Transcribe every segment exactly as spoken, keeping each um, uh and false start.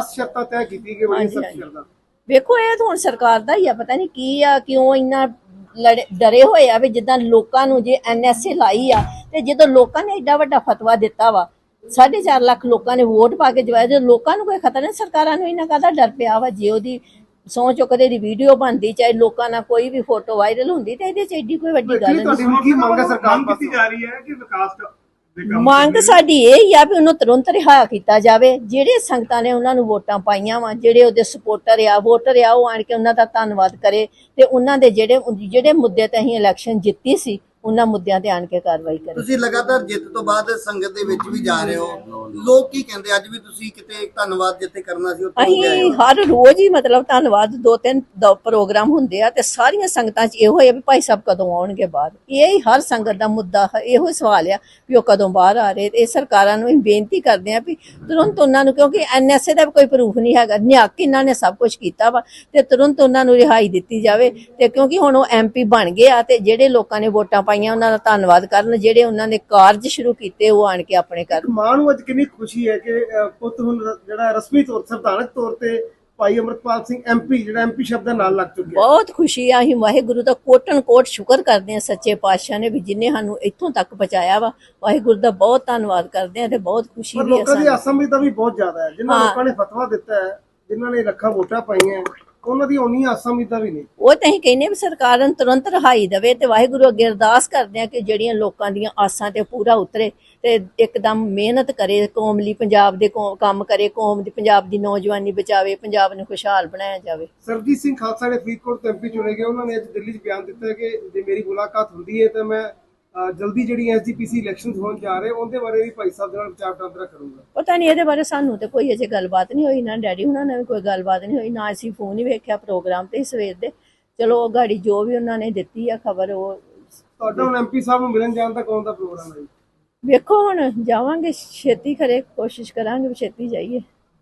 खास शर्तां तय कीती कि बड़ी सख्त शर्तां ਵੇਖੋ ਇਹ ਤਾਂ ਹੁਣ ਸਰਕਾਰ ਦਾ ਹੀ ਆ, ਪਤਾ ਨਹੀਂ ਕੀ ਆ, ਕਿਉਂ ਇੰਨਾ ਲੜੇ ਡਰੇ ਹੋਏ ਆ ਵੀ ਜਿੱਦਾਂ ਲੋਕਾਂ ਨੂੰ ਜੇ ਐਨ ਐਸ ਏ ਲਾਈ ਆ ਤੇ ਜਦੋਂ ਲੋਕਾਂ ਨੇ ਏਡਾ ਵੱਡਾ ਫਤਵਾ ਦਿੱਤਾ ਵਾ, ਸਾਢੇ ਚਾਰ ਲੱਖ ਲੋਕਾਂ ਨੇ ਵੋਟ ਪਾ ਕੇ ਜਵਾਇਆ, ਜਦੋਂ ਲੋਕਾਂ ਨੂੰ ਕੋਈ ਖਤਰਾ ਨਹੀਂ, ਸਰਕਾਰਾਂ ਨੂੰ ਇਹਨਾਂ ਕਾਹਦਾ ਡਰ ਪਿਆ ਵਾ। ਜੇ ਉਹਦੀ ਸਹੁੰ ਚੁੱਕਦੇ ਦੀ ਵੀਡੀਓ ਬਣਦੀ, ਚਾਹੇ ਲੋਕਾਂ ਨਾਲ ਕੋਈ ਵੀ ਫੋਟੋ ਵਾਇਰਲ ਹੁੰਦੀ, ਤੇ ਇਹਦੇ ਚ ਏਡੀ ਕੋਈ ਵੱਡੀ ਗੱਲ ਨਹੀਂ। ਕੀ ਮੰਗ ਹੈ ਸਰਕਾਰ ਮੰਗ ਕੀਤੀ ਜਾ ਰਹੀ ਹੈ ਕਿ ਵਿਕਾਸ ਮੰਗ ਸਾਡੀ ਇਹ ਹੀ ਆ ਵੀ ਉਹਨੂੰ ਤੁਰੰਤ ਰਿਹਾ ਕੀਤਾ ਜਾਵੇ। ਜਿਹੜੇ ਸੰਗਤਾਂ ਨੇ ਉਹਨਾਂ ਨੂੰ ਵੋਟਾਂ ਪਾਈਆਂ ਵਾ, ਜਿਹੜੇ ਉਹਦੇ ਸਪੋਰਟਰ ਆ, ਵੋਟਰ ਆ, ਉਹ ਆਣ ਕੇ ਉਹਨਾਂ ਦਾ ਧੰਨਵਾਦ ਕਰੇ ਤੇ ਉਹਨਾਂ ਦੇ ਜਿਹੜੇ ਜਿਹੜੇ ਮੁੱਦੇ ਤੇ ਅਸੀਂ ਇਲੈਕਸ਼ਨ ਜਿੱਤੀ ਸੀ ਉਹਨਾਂ ਮੁੱਦਿਆਂ ਤੇ ਆਣ ਕੇ ਕਾਰਵਾਈ ਕਰੇ। ਤੁਸੀਂ ਲਗਾਤਾਰ ਜਿੱਤ ਤੋਂ ਬਾਅਦ ਸੰਗਤ ਦੇ ਵਿੱਚ ਵੀ ਜਾ ਰਹੇ ਹੋ, ਲੋਕ ਕੀ ਕਹਿੰਦੇ? ਅੱਜ ਵੀ ਤੁਸੀਂ ਕਿਤੇ ਧੰਨਵਾਦ ਜਿੱਥੇ ਕਰਨਾ ਸੀ ਉੱਥੇ ਹੋ ਗਏ ਅਸੀਂ ਹਰ ਰੋਜ਼ ਹੀ ਮਤਲਬ ਧੰਨਵਾਦ ਦੋ ਤਿੰਨ ਪ੍ਰੋਗਰਾਮ ਹੁੰਦੇ ਆ ਤੇ ਸਾਰੀਆਂ ਸੰਗਤਾਂ 'ਚ ਇਹੋ ਹੈ ਵੀ ਭਾਈ ਸਾਹਿਬ ਕਦੋਂ ਆਉਣਗੇ ਬਾਹਰ। ਇਹ ਹੀ ਹਰ ਸੰਗਤ ਦਾ ਮੁੱਦਾ ਇਹੋ ਹੀ ਸਵਾਲ ਆ ਵੀ ਉਹ ਕਦੋਂ ਬਾਹਰ ਆ ਰਹੇ। ਇਹ ਸਰਕਾਰਾਂ ਨੂੰ ਅਸੀਂ ਬੇਨਤੀ ਕਰਦੇ ਆ ਵੀ ਤੁਰੰਤ ਉਹਨਾਂ ਨੂੰ, ਕਿਉਂਕਿ ਐਨ ਐਸ ਏ ਦਾ ਕੋਈ ਪ੍ਰੂਫ ਨਹੀਂ ਹੈਗਾ, ਨਿਹੱਕ ਇਹਨਾਂ ਨੇ ਸਭ ਕੁਝ ਕੀਤਾ ਵਾ, ਤੇ ਤੁਰੰਤ ਉਹਨਾਂ ਨੂੰ ਰਿਹਾਈ ਦਿੱਤੀ ਜਾਵੇ। ਤੇ ਕਿਉਂਕਿ ਹੁਣ ਉਹ ਐਮ ਪੀ ਬਣ ਗਏ ਆ ਤੇ ਜਿਹੜੇ ਲੋਕਾਂ ਨੇ ਵੋਟਾਂ ਪਾਈਆਂ ਉਹਨਾਂ ਦਾ ਧੰਨਵਾਦ ਕਰਨ, ਜਿਹੜੇ ਉਹਨਾਂ ਨੇ ਕਾਰਜ ਸ਼ੁਰੂ ਕੀਤੇ ਉਹ ਆਣ ਕੇ ਆਪਣੇ ਕਰਨ। ਮਾਂ ਨੂੰ ਅੱਜ ਕਿੰਨੀ ਖੁਸ਼ੀ ਹੈ ਕਿ ਪੁੱਤ ਹੁਣ ਜਿਹੜਾ ਰਸਮੀ ਤੌਰ ਸੰਵਿਧਾਨਕ ਤੌਰ ਤੇ ਭਾਈ ਅਮਰਪਾਲ ਸਿੰਘ ਐਮ ਪੀ ਜਿਹੜਾ ਐਮ ਪੀ ਸ਼ਬਦ ਦਾ ਨਾਲ ਲੱਗ ਚੁੱਕਿਆ। ਬਹੁਤ ਖੁਸ਼ੀ ਆ। ਅਸੀਂ ਵਾਹਿਗੁਰੂ ਦਾ ਕੋਟਨ ਕੋਟ ਸ਼ੁਕਰ ਕਰਦੇ ਆ ਸੱਚੇ ਪਾਤਸ਼ਾਹ ਨੇ ਵੀ ਜਿਨੇ ਸਾਨੂੰ ਇੱਥੋਂ ਤੱਕ ਪਹੁੰਚਾਇਆ ਵਾ। ਵਾਹਿਗੁਰੂ ਦਾ ਬਹੁਤ ਧੰਨਵਾਦ ਕਰਦੇ ਆ ਤੇ ਬਹੁਤ ਖੁਸ਼ੀ ਵੀ ਹੈ। ਲੋਕਾਂ ਦੀ ਆਸਾਂ ਦਾ ਵੀ ਬਹੁਤ ਜ਼ਿਆਦਾ ਹੈ, ਜਿਨ੍ਹਾਂ ਲੋਕਾਂ ਨੇ ਫਤਵਾ ਦਿੱਤਾ ਹੈ, ਜਿਨ੍ਹਾਂ ਨੇ ਲੱਖਾਂ ਵੋਟਾਂ ਪਾਈਆਂ, ਉਹਨਾਂ ਦੀ ਉਨੀ ਆਸਾਂ ਉਮੀਦਾਂ ਵੀ ਨਹੀਂ। ਉਹ ਤਾਂ ਅਸੀਂ ਕਹਿੰਦੇ ਵੀ ਸਰਕਾਰ ਨੂੰ ਤੁਰੰਤ ਰਹਾਈ ਦੇਵੇ ਤੇ ਵਾਹਿਗੁਰੂ ਅੱਗੇ ਅਰਦਾਸ ਕਰਦੇ ਆ ਕਿ ਜਿਹੜੀਆਂ ਲੋਕਾਂ ਦੀਆਂ ਆਸਾਂ ਤੇ ਪੂਰਾ ਉਤਰੇ ਤੇ ਇੱਕਦਮ ਮਿਹਨਤ ਕਰੇ, ਕੌਮ ਲਈ ਪੰਜਾਬ ਦੇ ਕੰਮ ਕਰੇ, ਕੌਮ ਦੀ ਪੰਜਾਬ ਦੀ ਨੌਜਵਾਨੀ ਬਚਾਵੇ, ਪੰਜਾਬ ਨੂੰ ਖੁਸ਼ਹਾਲ ਬਣਾਇਆ ਜਾਵੇ। ਸਰਬਜੀਤ ਸਿੰਘ ਖਾਲਸਾ ਨੇ ਫਰੀਦਕੋਟ ਤੋਂ ਐਮ ਪੀ ਚੁਣੇ ਗਏ, ਉਹਨਾਂ ਨੇ ਅੱਜ ਦਿੱਲੀ 'ਚ ਬਿਆਨ ਦਿੱਤਾ ਕਿ ਜੇ ਮੇਰੀ ਮੁਲਾਕਾਤ ਹੁੰਦੀ ਹੈ ਤਾਂ ਮੈਂ ਜਲਦੀ ਜਿਹੜੀ ਐਸ ਜੀ ਪੀ ਸੀ ਇਲੈਕਸ਼ਨ ਹੋਣ ਜਾ ਰਹੇ ਉਹਦੇ ਬਾਰੇ ਵੀ ਭਾਈ ਸਾਹਿਬ ਦੇ ਨਾਲ ਵਿਚਾਰ ਵਟਾਂਦਰਾ ਕਰੂੰਗਾ। ਪਤਾ ਨਹੀਂ ਇਹਦੇ ਬਾਰੇ ਸਾਨੂੰ ਤੇ ਕੋਈ ਅਜੇ ਗੱਲਬਾਤ ਨਹੀਂ ਹੋਈ, ਨਾ ਡੈਡੀ ਉਹਨਾਂ ਨੇ ਵੀ ਕੋਈ ਗੱਲਬਾਤ ਨਹੀਂ ਹੋਈ, ਨਾ ਅਸੀਂ ਫੋਨ ਹੀ ਵੇਖਿਆ ਪ੍ਰੋਗਰਾਮ ਤੇ ਸਵੇਰ ਦੇ। ਚਲੋ ਗਾੜੀ ਜੋ ਵੀ ਉਹਨਾਂ ਨੇ ਦਿੱਤੀ ਆ ਖਬਰ, ਉਹ ਤੁਹਾਡਾ ਹੁਣ ਐਮ ਪੀ ਸਾਹਿਬ ਨੂੰ ਮਿਲਣ ਜਾਣ ਦਾ ਕੌਣ ਦਾ ਪ੍ਰੋਗਰਾਮ ਹੈ? ਵੇਖੋ ਹੁਣ ਜਾਵਾਂਗੇ, ਛੇਤੀ ਕਰੇ, ਕੋਸ਼ਿਸ਼ ਕਰਾਂਗੇ ਵੀ ਛੇਤੀ ਜਾਈਏ।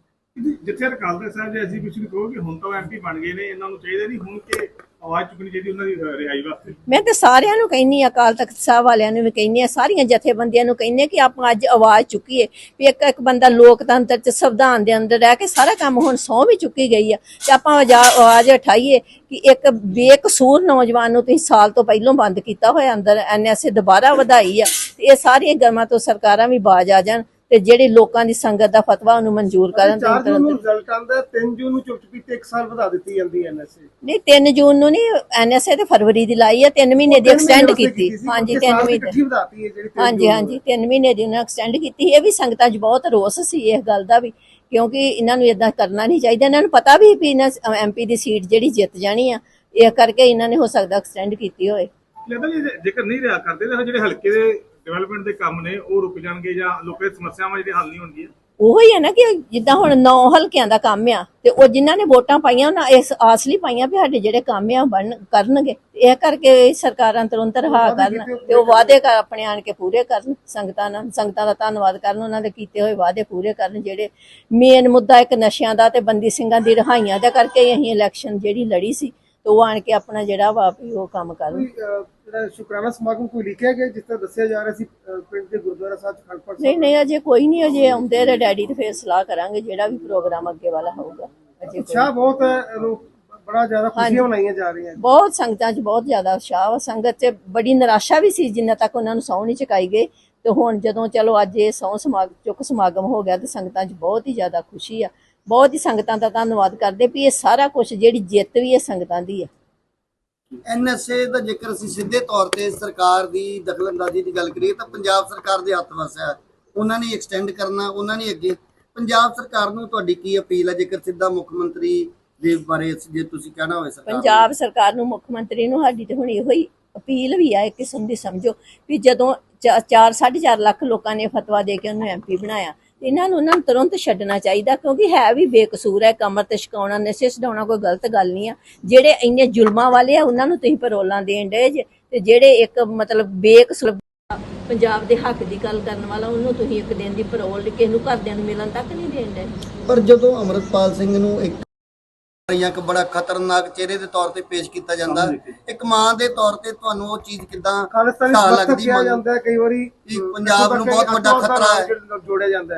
ਜਿੱਥੇ ਅਕਾਲ ਤਖਤ ਸਾਹਿਬ ਦੇ ਅਸੀਂ ਤੁਸੀਂ ਕਹੋਗੇ ਹੁਣ ਤਾਂ ਐਮ ਪੀ ਬਣ ਗਏ ਨੇ, ਇਹਨਾਂ ਨੂੰ ਚਾਹੀਦਾ ਨਹੀਂ ਹੁਣ ਕਿ ਆਵਾਜ਼ ਚੁੱਕਣੀ ਚਾਹੀਦੀ ਉਹਨਾਂ ਦੀ ਰਿਹਾਈ ਵਾਸਤੇ? ਮੈਂ ਤੇ ਸਾਰਿਆਂ ਨੂੰ ਕਹਿੰਨੀ, ਅਕਾਲ ਤਖਤ ਸਾਹਿਬ ਵਾਲਿਆਂ ਨੂੰ ਵੀ ਕਹਿੰਨੀ ਆ, ਸਾਰੀਆਂ ਜਥੇਬੰਦੀਆਂ ਨੂੰ ਕਹਿੰਨੇ ਕਿ ਆਪਾਂ ਅੱਜ ਆਵਾਜ਼ ਚੁੱਕੀਏ ਵੀ ਇੱਕ ਇੱਕ ਬੰਦਾ ਲੋਕਤੰਤਰ ਚ ਸੰਵਿਧਾਨ ਦੇ ਅੰਦਰ ਰਹਿ ਕੇ ਸਾਰਾ ਕੰਮ ਹੁਣ ਸਹੁੰ ਵੀ ਚੁੱਕੀ ਗਈ ਆ ਤੇ ਆਪਾਂ ਆਵਾਜ਼ ਉਠਾਈਏ ਕਿ ਇੱਕ ਬੇਕਸੂਰ ਨੌਜਵਾਨ ਨੂੰ ਤੁਸੀਂ ਸਾਲ ਤੋਂ ਪਹਿਲਾਂ ਬੰਦ ਕੀਤਾ ਹੋਇਆ ਅੰਦਰ, ਐਨ ਐਸ ਏ ਦੁਬਾਰਾ ਵਧਾਈ ਆ। ਇਹ ਸਾਰੀਆਂ ਗਰਮਾਂ ਤੋਂ ਸਰਕਾਰਾਂ ਵੀ ਬਾਜ ਆ ਜਾਣ ਤੇ ਜਿਹੜੀ ਲੋਕਾਂ ਦੀ ਸੰਗਤ ਦਾ ਫਤਵਾ ਉਹਨੂੰ ਮਨਜ਼ੂਰ ਕਰਨ। ਚਾਰ ਜੂਨ ਨੂੰ ਰਿਜ਼ਲਟ ਆਉਂਦਾ, ਤਿੰਨ ਜੂਨ ਨੂੰ ਚੁੱਪ ਚੁਪੀਤੇ ਇੱਕ ਸਾਲ ਵਧਾ ਦਿੱਤੀ ਜਾਂਦੀ ਹੈ ਐਨ ਐਸ ਏ। ਨਹੀਂ ਤਿੰਨ ਜੂਨ ਨੂੰ ਨਹੀਂ, ਐਨ ਐਸ ਏ ਤੇ ਫਰਵਰੀ ਦੀ ਲਾਈ ਆ, ਤਿੰਨ ਮਹੀਨੇ ਦੀ ਐਕਸਟੈਂਡ ਕੀਤੀ। ਹਾਂਜੀ ਤਿੰਨ ਮਹੀਨੇ, ਹਾਂਜੀ ਹਾਂਜੀ ਤਿੰਨ ਮਹੀਨੇ ਦੀ ਉਹਨਾਂ ਐਕਸਟੈਂਡ ਕੀਤੀ। ਇਹ ਵੀ ਸੰਗਤਾਂ 'ਚ ਬਹੁਤ ਰੋਸ ਸੀ ਇਸ ਗੱਲ ਦਾ ਵੀ, ਕਿਉਂਕਿ ਇਹਨਾਂ ਨੂੰ ਏਦਾਂ ਕਰਨਾ ਨਹੀਂ ਚਾਹੀਦਾ। ਇਹਨਾਂ ਨੂੰ ਪਤਾ ਵੀ ਵੀ ਇਹਨਾਂ ਐਮ ਪੀ ਦੀ ਸੀਟ ਜਿਹੜੀ ਜਿੱਤ ਜਾਣੀ ਆ, ਇਹ ਕਰਕੇ ਇਹਨਾਂ ਨੇ ਹੋ ਸਕਦਾ ਐਕਸਟੈਂਡ ਕੀਤੀ ਹੋਏ। ਜੇਕਰ ਨਹੀਂ ਰਿਹਾ ਕਰਦੇ ਤਾਂ ਜਿਹੜੇ ਹਲਕੇ ਦੇ ਡਿਵੈਲਪਮੈਂਟ ਦੇ ਕੰਮ ਨੇ ਉਹ ਰੁਕ ਜਾਣਗੇ ਜਾਂ ਲੋਕਾਂ ਦੀ ਸਮੱਸਿਆਵਾਂ ਜਿਹੜੀ ਹੱਲ ਨਹੀਂ ਹੋਣਗੀਆਂ। ਉਹੀ ਹੈ ਨਾ ਕਿ ਜਿੱਦਾਂ ਹੁਣ ਨੌ ਹਲਕਿਆਂ ਦਾ ਕੰਮ ਆ ਤੇ ਉਹ ਜਿਨ੍ਹਾਂ ਨੇ ਵੋਟਾਂ ਪਾਈਆਂ ਉਹਨਾਂ ਇਸ ਆਸ ਲਈ ਪਾਈਆਂ ਵੀ ਸਾਡੇ ਜਿਹੜੇ ਕੰਮ ਆ ਬਣ ਕਰਨਗੇ। ਇਹ ਕਰਕੇ ਸਰਕਾਰਾਂ ਤੁਰੰਤ ਰਹਾ ਕਰਨ ਤੇ ਉਹ ਵਾਅਦੇ ਕਰ ਆਪਣੇ ਆਣ ਕੇ ਪੂਰੇ ਕਰਨ, ਸੰਗਤਾਂ ਨਾਲ ਸੰਗਤਾਂ ਦਾ ਧੰਨਵਾਦ ਕਰਨ, ਉਹਨਾਂ ਦੇ ਕੀਤੇ ਹੋਏ ਵਾਅਦੇ ਪੂਰੇ ਕਰਨ। ਜਿਹੜੇ ਮੇਨ ਮੁੱਦਾ ਇੱਕ ਨਸ਼ਿਆਂ ਦਾ ਤੇ ਬੰਦੀ ਸਿੰਘਾਂ ਦੀ ਰਿਹਾਈਆਂ ਦਾ ਕਰਕੇ ਅਸੀਂ ਇਲੈਕਸ਼ਨ ਜਿਹੜੀ ਲੜੀ ਸੀ ਤੇ ਉਹ ਆਣ ਕੇ ਆਪਣਾ ਜਿਹੜਾ ਵਾ ਵੀ ਉਹ ਕੰਮ ਕਰਨ। ਜਿਹੜਾ ਸ਼ੁਕਰਾਨਾ ਸਮਾਗਮ ਕੋਈ ਲਿਖਿਆ ਗਿਆ ਜਿਸ ਤਰ੍ਹਾਂ ਦੱਸਿਆ ਜਾ ਰਿਹਾ ਸੀ ਪਿੰਡ ਦੇ ਗੁਰਦੁਆਰਾ ਸਾਹਿਬ ਖੰਡ ਪਾਠ? ਨਹੀਂ ਨਹੀਂ ਅਜੇ ਕੋਈ ਨਹੀਂ, ਅਜੇ ਆਉਂਦੇ ਤੇ ਡੈਡੀ ਤੇ ਫੇਰ ਸਲਾਹ ਕਰਾਂਗੇ ਜਿਹੜਾ ਵੀ ਪ੍ਰੋਗਰਾਮ ਅੱਗੇ ਵਾਲਾ ਹੋਊਗਾ। ਅਜੇ ਅੱਛਾ, ਬਹੁਤ ਬੜਾ ਜ਼ਿਆਦਾ ਖੁਸ਼ੀਆਂ ਮਨਾਈਆਂ ਜਾ ਰਹੀਆਂ, ਬਹੁਤ ਸੰਗਤਾਂ 'ਚ ਬਹੁਤ ਜ਼ਿਆਦਾ ਉਤਸ਼ਾਹ ਵਾ। ਸੰਗਤ 'ਚ ਬੜੀ ਨਿਰਾਸ਼ਾ ਵੀ ਸੀ ਜਿੰਨਾ ਤੱਕ ਉਹਨਾਂ ਨੂੰ ਸਹੁੰ ਨਹੀਂ ਚੁਕਾਈ ਗਈ, ਤੇ ਹੁਣ ਜਦੋਂ ਚਲੋ ਅੱਜ ਇਹ ਸਹੁੰ ਸਮਾਗਮ ਚੁੱਕ ਸਮਾਗਮ ਹੋ ਗਿਆ ਤੇ ਸੰਗਤਾਂ 'ਚ ਬਹੁਤ ਹੀ ਜ਼ਿਆਦਾ ਖੁਸ਼ੀ ਆ। ਬਹੁਤ ਹੀ ਸੰਗਤਾਂ ਦਾ ਧੰਨਵਾਦ ਕਰਦੇ ਵੀ ਇਹ ਸਾਰਾ ਕੁਝ ਜਿਹੜੀ ਜਿੱਤ ਵੀ ਇਹ ਸੰਗਤਾਂ ਦੀ ਆ। ਐਨ ਐਸ ਏ ਦਾ ਜੇਕਰ ਅਸੀਂ ਸਿੱਧੇ ਤੌਰ ਤੇ ਸਰਕਾਰ ਦੀ ਦਖਲਅੰਦਾਜ਼ੀ ਦੀ ਗੱਲ ਕਰੀਏ ਤਾਂ ਪੰਜਾਬ ਸਰਕਾਰ ਦੇ ਹੱਥ ਵਸ ਹੈ, ਉਹਨਾਂ ਨੇ ਐਕਸਟੈਂਡ ਕਰਨਾ, ਉਹਨਾਂ ਨੇ ਅੱਗੇ। ਪੰਜਾਬ ਸਰਕਾਰ ਨੂੰ ਤੁਹਾਡੀ ਕੀ ਅਪੀਲ ਹੈ ਜੇਕਰ ਸਿੱਧਾ ਮੁੱਖ ਮੰਤਰੀ ਦੇ ਬਾਰੇ ਜੇ ਤੁਸੀਂ ਕਹਿਣਾ ਹੋਵੇ? ਸਰਕਾਰ ਪੰਜਾਬ ਸਰਕਾਰ ਨੂੰ, ਮੁੱਖ ਮੰਤਰੀ ਨੂੰ ਸਾਡੀ ਤੇ ਹੁਣ ਇਹੋ ਹੀ ਅਪੀਲ ਵੀ ਆ ਇੱਕ ਕਿਸਮ ਦੀ, ਸਮਝੋ ਵੀ ਜਦੋਂ ਚਾਰ ਸਾਢੇ ਚਾਰ ਲੱਖ ਲੋਕਾਂ ਨੇ ਫਤਵਾ ਦੇ ਕੇ ਉਹਨੂੰ ਐਮ ਪੀ ਬਣਾਇਆ, ਇਹਨਾਂ ਨੂੰ ਉਹਨਾਂ ਨੂੰ ਤੁਰੰਤ ਛੱਡਣਾ ਚਾਹੀਦਾ, ਕਿਉਂਕਿ ਹੈ ਵੀ ਬੇਕਸੂਰ ਹੈ। ਕਮਰ ਤੇ ਛਕਾਉਣਾ, ਨਸ਼ੇ ਛਡਾਉਣਾ ਕੋਈ ਗਲਤ ਗੱਲ ਨਹੀਂ ਆ। ਜਿਹੜੇ ਇੰਨੇ ਜ਼ੁਲਮਾਂ ਵਾਲੇ ਆ ਉਹਨਾਂ ਨੂੰ ਤੁਸੀਂ ਪਰੋਲਾਂ ਦੇਣ ਡਏ ਜੇ, ਤੇ ਜਿਹੜੇ ਇੱਕ ਮਤਲਬ ਬੇਕਸੂਰ ਪੰਜਾਬ ਦੇ ਹੱਕ ਦੀ ਗੱਲ ਕਰਨ ਵਾਲਾ ਉਹਨੂੰ ਤੁਸੀਂ ਇੱਕ ਦਿਨ ਦੀ ਪਰੋਲ ਕਿਸੇ ਨੂੰ ਘਰਦਿਆਂ ਨੂੰ ਮਿਲਣ ਤੱਕ ਨਹੀਂ ਦੇਣ ਡਏ। ਪਰ ਜਦੋਂ ਅਮਰਪਾਲ ਸਿੰਘ ਨੂੰ ਇੱਕ ਇੱਕ ਬੜਾ ਖਤਰਨਾਕ ਚਿਹਰੇ ਦੇ ਤੌਰ ਤੇ ਪੇਸ਼ ਕੀਤਾ ਜਾਂਦਾ, ਇੱਕ ਮਾਂ ਦੇ ਤੌਰ ਤੇ ਤੁਹਾਨੂੰ ਉਹ ਚੀਜ਼ ਕਿੱਦਾਂ ਲੱਗਦੀ? ਜਾਂਦਾ ਕਈ ਵਾਰੀ ਪੰਜਾਬ ਨੂੰ ਬਹੁਤ ਵੱਡਾ ਖਤਰਾ ਹੈ ਜੋੜਿਆ ਜਾਂਦਾ ਹੈ।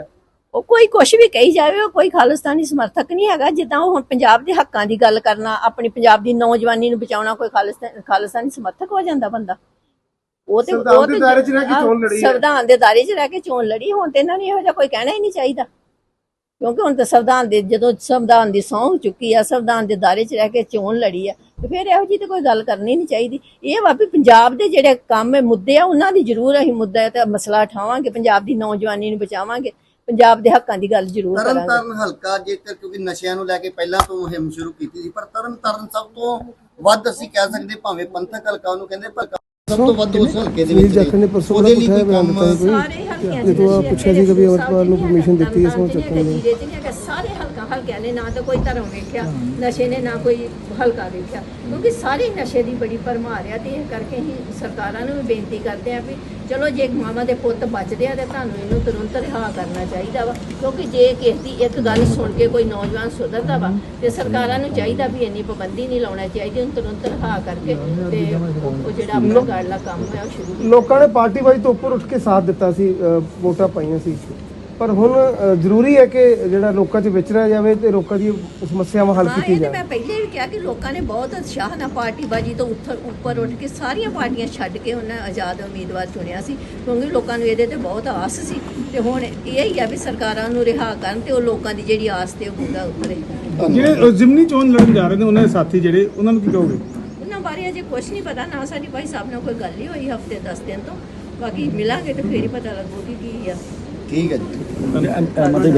ਉਹ ਕੋਈ ਕੁਛ ਵੀ ਕਹੀ ਜਾਵੇ, ਉਹ ਕੋਈ ਖਾਲਿਸਤਾਨੀ ਸਮਰਥਕ ਨਹੀਂ ਹੈਗਾ। ਜਿੱਦਾਂ ਉਹ ਹੁਣ ਪੰਜਾਬ ਦੇ ਹੱਕਾਂ ਦੀ ਗੱਲ ਕਰਨਾ, ਆਪਣੀ ਪੰਜਾਬ ਦੀ ਨੌਜਵਾਨੀ ਨੂੰ ਬਚਾਉਣਾ, ਕੋਈ ਖਾਲਿਸਤਾਨ ਖਾਲਿਸਤਾਨੀ ਸਮਰਥਕ ਹੋ ਜਾਂਦਾ ਬੰਦਾ? ਉਹ ਤੇ ਸੰਵਿਧਾਨ ਉਹ ਦੇ ਤੇ ਦਾਇਰੇ 'ਚ ਰਹਿ ਕੇ ਚੋਣ ਲੜੀ ਹੈ। ਸੰਵਿਧਾਨ ਦੇ ਦਾਇਰੇ 'ਚ ਰਹਿ ਕੇ ਚੋਣ ਲੜੀ। ਹੁਣ ਤੇ ਇਹਨਾਂ ਨੂੰ ਇਹੋ ਜਿਹਾ ਕੋਈ ਕਹਿਣਾ ਹੀ ਨਹੀਂ ਚਾਹੀਦਾ, ਕਿਉਂਕਿ ਹੁਣ ਤਾਂ ਸੰਵਿਧਾਨ ਦੇ ਜਦੋਂ ਸੰਵਿਧਾਨ ਦੀ ਸਹੁੰ ਚੁੱਕੀ ਆ, ਸੰਵਿਧਾਨ ਦੇ ਦਾਇਰੇ 'ਚ ਰਹਿ ਕੇ ਚੋਣ ਲੜੀ ਆ, ਤੇ ਫਿਰ ਇਹੋ ਜਿਹੀ ਤੇ ਕੋਈ ਗੱਲ ਕਰਨੀ ਨਹੀਂ ਚਾਹੀਦੀ। ਇਹ ਵਾ ਵੀ ਪੰਜਾਬ ਦੇ ਜਿਹੜੇ ਕੰਮ ਹੈ, ਮੁੱਦੇ ਆ, ਉਹਨਾਂ ਦੀ ਜ਼ਰੂਰ ਅਸੀਂ ਮੁੱਦਾ ਤੇ ਮਸਲਾ ਉਠਾਵਾਂਗੇ, ਪੰਜਾਬ ਦੀ ਨੌਜਵਾਨੀ ਨੂੰ ਬਚਾਵਾਂਗੇ, ਪੰਜਾਬ ਦੇ ਹੱਕਾਂ ਦੀ ਗੱਲ ਜ਼ਰੂਰ ਤਰਨ ਕਰਾਂਗੇ। ਤਾਰਨ ਹਲਕਾ ਜੇਕਰ ਕਿਉਂਕਿ ਨਸ਼ਿਆਂ ਨੂੰ ਲੈ ਕੇ ਪਹਿਲਾਂ ਤੋਂ ਮੁਹਿੰਮ ਸ਼ੁਰੂ ਕੀਤੀ ਸੀ, ਪਰ ਤਰਨ ਤਾਰਨ ਸਭ ਤੋਂ ਵੱਧ ਅਸੀਂ ਕਹਿ ਸਕਦੇ ਭਾਵੇਂ ਪੰਥਕ ਹਲਕਾ ਉਹਨੂੰ ਕਹਿੰਦੇ ਪਰ ਸਭ ਤੋਂ ਵੱਧ ਉਸ ਹਲਕੇ ਦੇ ਵਿੱਚ ਜਾਖੜ ਨੇ ਪਰਸੋਂ ਉਹਦੇ ਲਈ ਬੜਾ ਕੋਈ ਕੰਮ ਬਿਆਨ ਦਿੱਤਾ ਸਾਰੇ ਹਲਕਿਆਂ ਜੇ ਤੂੰ ਪੁੱਛਿਆ ਸੀ ਕਿ ਵੀ ਅਮਰਪਾਲ ਨੂੰ permission ਦਿੱਤੀ ਇਸ ਨੂੰ ਚੱਕਣ ਦੀ। ਦੀ ਸਾਰੇ ਹਲਕਾ ਹਲਕਿਆਂ ਨੇ ਨਾ ਤਾਂ ਕੋਈ ਧਰਮ ਵੇਖਿਆ, ਨਸ਼ੇ ਨੇ ਨਾ ਕੋਈ ਹਲਕਾ ਵੇਖਿਆ, ਕਿਉਂਕਿ ਸਾਰੇ ਨਸ਼ੇ ਦੀ ਬੜੀ ਭਰਮਾਰ ਆ। ਤੇ ਇਹ ਕਰਕੇ ਹੀ ਸਰਕਾਰਾਂ ਨੂੰ ਵੀ ਬੇਨਤੀ ਕਰਦੇ ਆ ਵੀ ਚਲੋ ਜੇ ਮਾਵਾਂ ਦੇ ਪੁੱਤ ਬਚਦੇ ਆ ਤੇ ਤੁਹਾਨੂੰ ਇਹਨੂੰ ਤੁਰੰਤ ਰਿਹਾ ਕਰਨਾ ਚਾਹੀਦਾ ਵਾ, ਕਿਉਂਕਿ ਜੇ ਕਿਸੇ ਦੀ ਇੱਕ ਗੱਲ ਸੁਣ ਕੇ ਕੋਈ ਨੌਜਵਾਨ ਸੁਧਰਦਾ ਵਾ ਤੇ ਸਰਕਾਰਾਂ ਨੂੰ ਚਾਹੀਦਾ ਵੀ ਇੰਨੀ ਪਾਬੰਦੀ ਨਹੀਂ ਲਾਉਣਾ ਚਾਹੀਦੀ, ਉਹਨੂੰ ਤੁਰੰਤ ਰਿਹਾ ਕਰਕੇ ਤੇ ਉਹ ਜਿਹੜਾ ਆਪਣਾ ਗਾੜਲਾ ਕੰਮ ਹੈ ਉਹ ਸ਼ੁਰੂ ਕੀਤਾ। ਲੋਕਾਂ ਨੇ ਪਾਰਟੀ ਵਾਈਜ਼ ਤੋਂ ਉੱਪਰ ਉੱਠ ਕੇ ਸਾਥ ਦਿੱਤਾ ਸੀ, ਅ, ਵੋਟਾਂ ਪਾਈਆਂ ਸੀ, ਪਰ ਹੁਣ ਅ, ਜ਼ਰੂਰੀ ਹੈ ਕਿ ਜਿਹੜਾ ਲੋਕਾਂ 'ਚ ਵਿਚਰਿਆ ਜਾਵੇ ਤੇ ਲੋਕਾਂ ਦੀ ਸਮੱਸਿਆਵਾਂ ਹੱਲ ਹਾਂ, ਕੀਤੀ ਇਹ ਤੇ ਜਾਵੇ। ਮੈਂ ਪਹਿਲੇ ਵੀ ਕਿਹਾ ਕਿ ਲੋਕਾਂ ਨੇ ਬਹੁਤ ਉਤਸ਼ਾਹ ਨਾਲ ਪਾਰਟੀਬਾਜ਼ੀ ਤੋਂ ਉੱਪਰ ਉੱਪਰ ਉੱਠ ਕੇ ਸਾਰੀਆਂ ਪਾਰਟੀਆਂ ਛੱਡ ਕੇ ਉਹਨਾਂ ਆਜ਼ਾਦ ਉਮੀਦਵਾਰ ਚੁਣਿਆ ਸੀ, ਕਿਉਂਕਿ ਲੋਕਾਂ ਨੂੰ ਇਹਦੇ ਤੇ ਬਹੁਤ ਆਸ ਸੀ। ਤੇ ਹੁਣ ਇਹ ਹੀ ਆ ਵੀ ਸਰਕਾਰਾਂ ਨੂੰ ਰਿਹਾ ਕਰਨ ਤੇ ਉਹ ਲੋਕਾਂ ਦੀ ਜਿਹੜੀ ਆਸ ਤੇ ਉਹ ਪੂਰਾ ਉਤਰੇ। ਜਿਹੜੇ ਜ਼ਿਮਨੀ ਚੋਣ ਲੜਨ ਜਾ ਰਹੇ ਨੇ ਉਹਨਾਂ ਦੇ ਸਾਥੀ ਜਿਹੜੇ, ਉਹਨਾਂ ਨੂੰ ਕੀ ਕਹੋਗੇ? ਉਹਨਾਂ ਬਾਰੇ ਅਜੇ ਕੁਝ ਨਹੀਂ ਪਤਾ, ਨਾ ਸਾਡੀ ਭਾਈ ਸਾਹਿਬ ਨਾਲ ਕੋਈ ਗੱਲ ਹੀ ਹੋਈ ਹਫਤੇ ਦਸ ਦਿਨ ਤੋਂ। ਬਾਕੀ ਮਿਲਾਂਗੇ ਤੇ ਫੇਰ ਹੀ ਪਤਾ ਲੱਗੂਗੀ ਕੀ ਆ। ਠੀਕ ਹੈ ਜੀ।